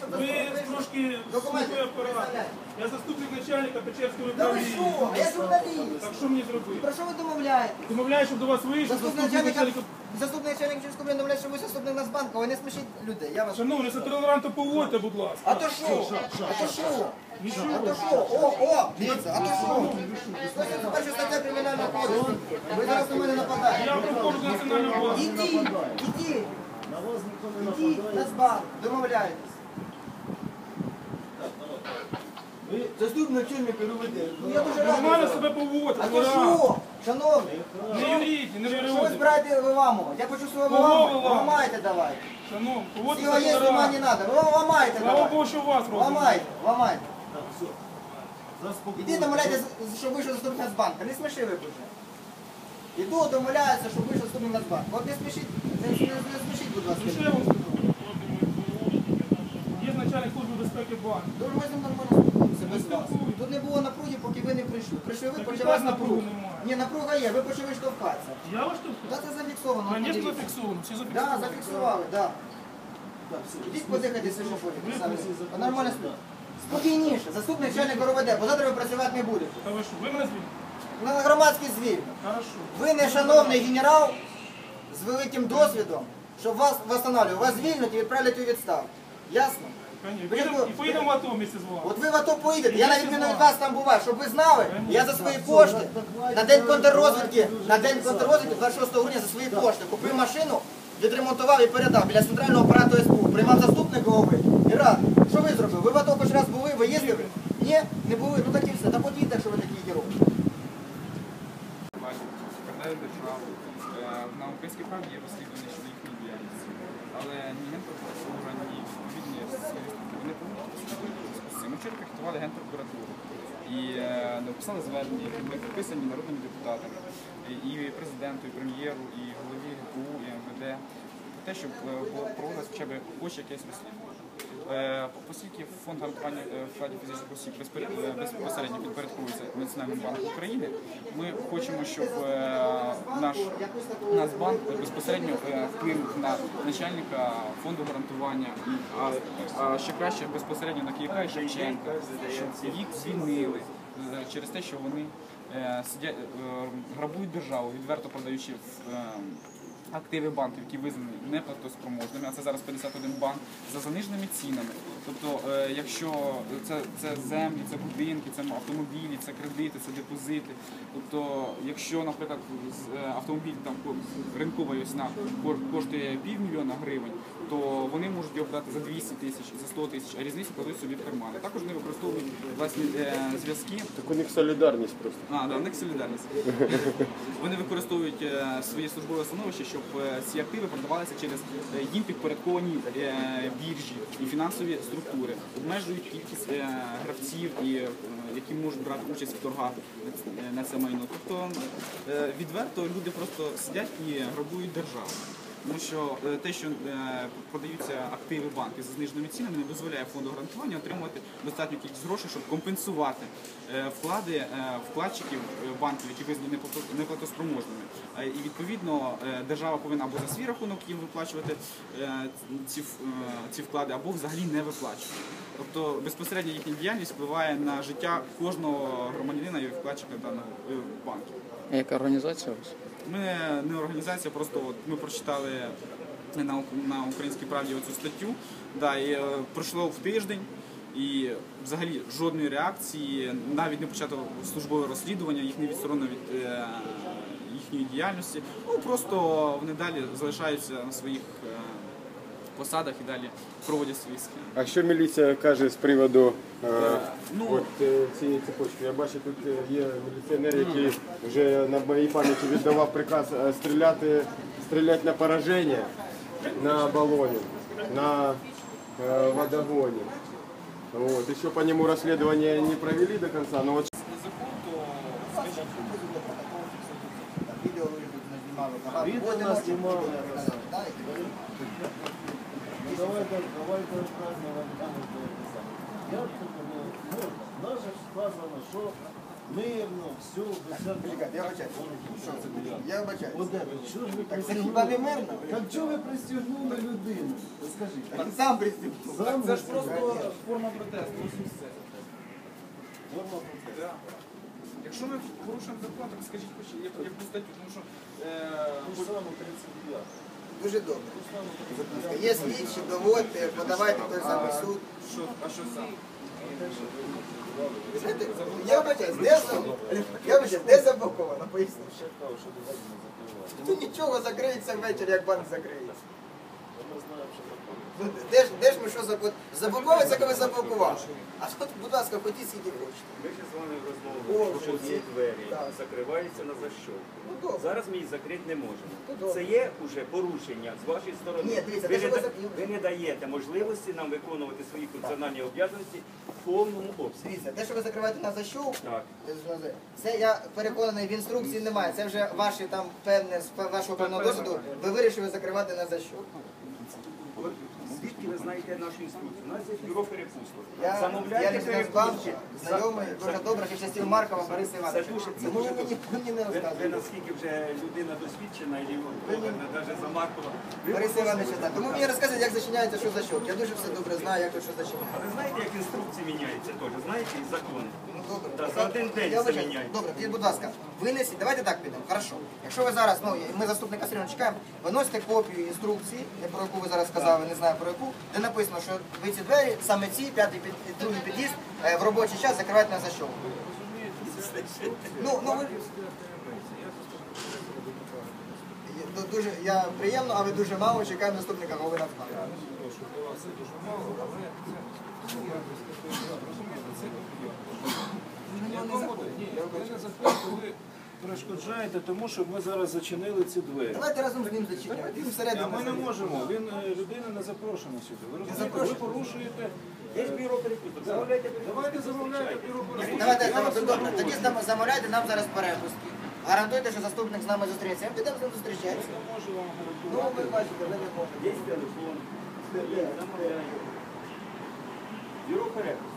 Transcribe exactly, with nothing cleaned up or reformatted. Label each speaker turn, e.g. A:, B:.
A: щоб
B: Ви трошки слухай апарат. Я заступник начальника Печерського
A: Да ви
B: управління.
A: що? А я журналіст.
B: Так що мені зробити?
A: Про що ви домовляєте?
B: Домовляю, щоб до вас вийшов
A: Заступник
B: заступник
A: начальника,
B: начальника.
A: заступник начальника Печерського управління домовляє, що ви заступник Нацбанку, ви не смішіть людей. Я вас...
B: Шановні, це толерантно поводьте, будь ласка.
A: А то що? А то що?
B: Нічого.
A: А то що? О, о, дивіться, а то що? сто перша стаття Кримінального кодексу. Ви зараз на мене нападаєте.
B: Я проходжу до національного банку.
A: Ідіть, ідіть. Ідіть, Нацбанк, домовляєтесь. Ви заступник начальника РУВД. Ну я дуже радий.
B: Нормально
A: за
B: себе
A: вас.
B: поводьте.
A: А то що? Шановний,
B: Не юріть, не
A: що ви
B: юріть.
A: збираєте виламувати? Я почув свого
B: Кого
A: виламу.
B: виламувати?
A: Ламайте давайте.
B: Шановні, поводьте
A: Сила є,
B: себе
A: сама не
B: толерантно.
A: треба. Ви ламайте
B: Слава
A: давайте.
B: Богу, що у вас робить.
A: Ламайте, ламайте. Іди домовляйте, щоб вийшов заступник Нацбанка. Не сміши ви вже. Іду домовляюся, щоб вийшов заступник Нацбанка. От не смішіть, не, не, не смішіть, будь ласка.
B: Ну що я вам скажу? Є начальник служби безпеки банку.
A: Дуже ми з ним нормально спілкуємося без вас. Тут не було напруги, поки ви не прийшли. Прийшли ви,
B: Так
A: почалась
B: і так напруги
A: напруга.
B: немає.
A: Ні, напруга є, ви почали штовхатися.
B: Я вас тут?
A: Так це зафіксовано.
B: Звісно,
A: подивіться.
B: зафіксовано. Всі
A: Так,
B: зафіксовано.
A: зафіксували, так. Ідіть подихайте свіжим повітрям. Нормально спіть. Спокійніше, заступник начальника РУВД, бо завтра ви працювати не будете.
B: Та ви що, ви мене звільните?
A: На громадський звільнення.
B: Хорошо.
A: Ви не шановний генерал з великим досвідом, щоб вас встановлювати. Вас звільнять і відправлять у відставку. Ясно?
B: Конечно.
A: Ви
B: Поїдемо- І поїдемо в АТО вместе з вами.
A: От ви в АТО поїдете, я на відміну від вас там буваю, щоб ви знали, я за свої кошти на день контррозвідки, на день контррозвідки двадцять шостого грудня за свої кошти купив машину, відремонтував і передав біля центрального апарату СБУ, приймав заступник голови і рад. Що ви зробили? Ви в АТО хоч раз були, ви їздили? Ні? Не були? Ну так і все. Та подійте, якщо ви такі герої.
C: Передають державу. На українській правді є розслідування щодо їхньої діяльності. Але ні Генпрокуратура, ні відповідні слідства не повинні з цим. Ми вчора пікетували Генпрокуратуру і написали звернення, які були підписані народними депутатами, і президенту, і прем'єру, і голові ГПУ, і МВД, про те, щоб проводилось хоча б хоч якесь розслідування. Оскільки фонд гарантування вкладів фізичних осіб безпосередньо підпорядковується Національному банку України, ми хочемо, щоб наш Нацбанк безпосередньо вплинув на начальника фонду гарантування, а ще краще безпосередньо на Кияка і Шевченка, щоб їх звільнили через те, що вони сидять, грабують державу, відверто продаючи активи банків, які визнані неплатоспроможними, а це зараз п'ятдесят один банк, за заниженими цінами. Тобто, е, якщо це, це землі, це будинки, це автомобілі, це кредити, це депозити. Тобто, якщо, наприклад, автомобіль там ринкова ціна коштує півмільйона гривень, то вони можуть його продати за двісті тисяч, за сто тисяч, а різницю кладуть собі в кармани. Також вони використовують власні е, зв'язки.
D: Так у них солідарність просто.
C: А, да, у них солідарність. Вони використовують е, своє службове становище, щоб е, ці активи продавалися через е, їм підпорядковані е, біржі і фінансові структури. Обмежують кількість е, гравців, і, е, які можуть брати участь в торгах на це майно. Тобто е, відверто люди просто сидять і грабують державу. Тому що те, що продаються активи банків за зниженими цінами, не дозволяє фонду гарантування отримувати достатню кількість грошей, щоб компенсувати вклади вкладчиків банків, які визнані неплатоспроможними. І відповідно держава повинна або за свій рахунок їм виплачувати ці, ці вклади, або взагалі не виплачувати. Тобто безпосередньо їхня діяльність впливає на життя кожного громадянина і вкладчика даного банку.
E: А яка організація у вас?
C: Ми не організація, просто от ми прочитали на, на Українській правді оцю статтю, да, і е, пройшло в тиждень, і взагалі жодної реакції, навіть не почато службове розслідування, їх не відсторонено від е, їхньої діяльності. Ну, просто вони далі залишаються на своїх е, посадах і далі проводять свої схеми.
D: А що міліція каже з приводу е,
C: ну,
D: от, е, цієї цепочки? Я бачу, тут є міліціонер, який вже на моїй пам'яті віддавав приказ е, стріляти, стріляти на пораження, на балоні, на е, водогоні. Вот. Еще по нему расследование не провели до конца, но вот...
A: Відео нас знімали.
F: Давайте, давайте розказуємо вам. Я тут, ну, можна. Нас же сказано, що Мирно, все, без всяких...
A: Чекайте, я вибачаю. Що це? Я вибачаю.
F: От де ви? Чого ж ви
A: Так це
F: пристягнули?
A: хіба не мирно?
F: Так чого ви пристягнули людину? Скажіть.
A: Так сам пристібнув.
F: Сам
C: Це ж
F: ви
C: просто
F: сказали.
C: форма протесту. Ось і все.
F: Форма протесту.
C: Да. Якщо ми порушуємо закон, так скажіть хоч яку яку статтю, тому що е,
F: Ту ж саму тридцять дев'яту.
A: Дуже добре.
F: Ту ж саму тридцять дев'яту.
A: Є слідчі, доводьте, подавайте той самий суд.
C: що, а що саме?
A: Ви знаєте, я вибачаюсь, де за- я вибачаюсь, де заблоковано? Поясніть.
F: Ще кажу, що до вас не закривали.
A: Тут нічого закриється ввечері, як банк закриється.
F: Ми знаємо, що закривали.
A: Ну, Де ж, де ж ми що заблокували? Заблоковується, коли заблокували. А тут, будь ласка, ходіть скільки хочете.
E: Ми ж з вами
A: О,
E: розмовляємо, що
A: вже
E: ці
A: є.
E: двері
A: Так.
E: закриваються на защолку.
A: Ну добре.
E: Зараз ми їх закрити не можемо.
A: Ну, добре.
E: Це є вже порушення з вашої сторони.
A: Ні, дивіться,
E: ви,
A: те,
E: не,
A: що ви
E: да-
A: зак-
E: ви не даєте можливості нам виконувати свої функціональні обов'язки в повному обсязі.
A: Дивіться, те, що ви закриваєте на защов,
E: Так.
A: це я переконаний, в інструкції немає. Це вже ваші там певне з вашого певного досвіду. Ви вирішили закривати на защов.
E: От звідки ви знаєте нашу інструкцію? У нас є бюро перепусток.
A: Я, я
E: Замовляйте
A: людина з банку,
E: перепустки.
A: знайомий,
E: За-
A: дуже добре, ще часів Маркова Бориса
E: Це
A: Івановича.
E: дуже, це
A: Тому
E: дуже
A: ви мені, мені не
E: Ви, ви
A: розказуєте.
E: наскільки вже людина досвідчена, і навіть за Маркова. Ви
A: Бориса Івановича, так. Тому мені розказують, як зачиняється, що за що. Я дуже все добре знаю, як то що зачиняється.
E: А ви знаєте, як інструкції міняються теж? Знаєте, і закони?
A: Ну, добре.
E: Та за один день
A: Я
E: все
A: вважаю.
E: міняється.
A: Добре, тоді, будь ласка, винесіть, давайте так підемо. Хорошо. Якщо ви зараз, ну, ми заступника все одно чекаємо, виносите копію інструкції, не про яку ви зараз сказали, не знаю про яку, де написано, що ви ці двері, саме ці, п'ятий, під, другий під'їзд, е, в робочий час закривають на защолку. Ну, ну, ви... Ду- Дуже, я приємно, але дуже мало чекаємо наступника голови Нацбанку.
F: Ви перешкоджаєте тому, щоб ми зараз зачинили ці двері.
A: Давайте разом з ним зачиняємо. Він
F: А
A: всередину.
F: ми не можемо. Він е, людина не запрошена сюди. Ви розумієте? Ви
A: запрошена.
F: порушуєте.
E: Є ж бюро перепусток. Замовляйте перепустки.
F: Давайте замовляйте бюро перепусток.
A: Давайте, давайте, добре. Тоді зам- замовляйте нам зараз перепустки. Гарантуйте, що заступник з нами зустрінеться. Ми підемо з ним зустрічатися.
F: Я можу вам
A: Ну,
F: гарантувати.
A: ви бачите, ви не можете.
E: Є телефон. Замовляйте. Бюро перепусток.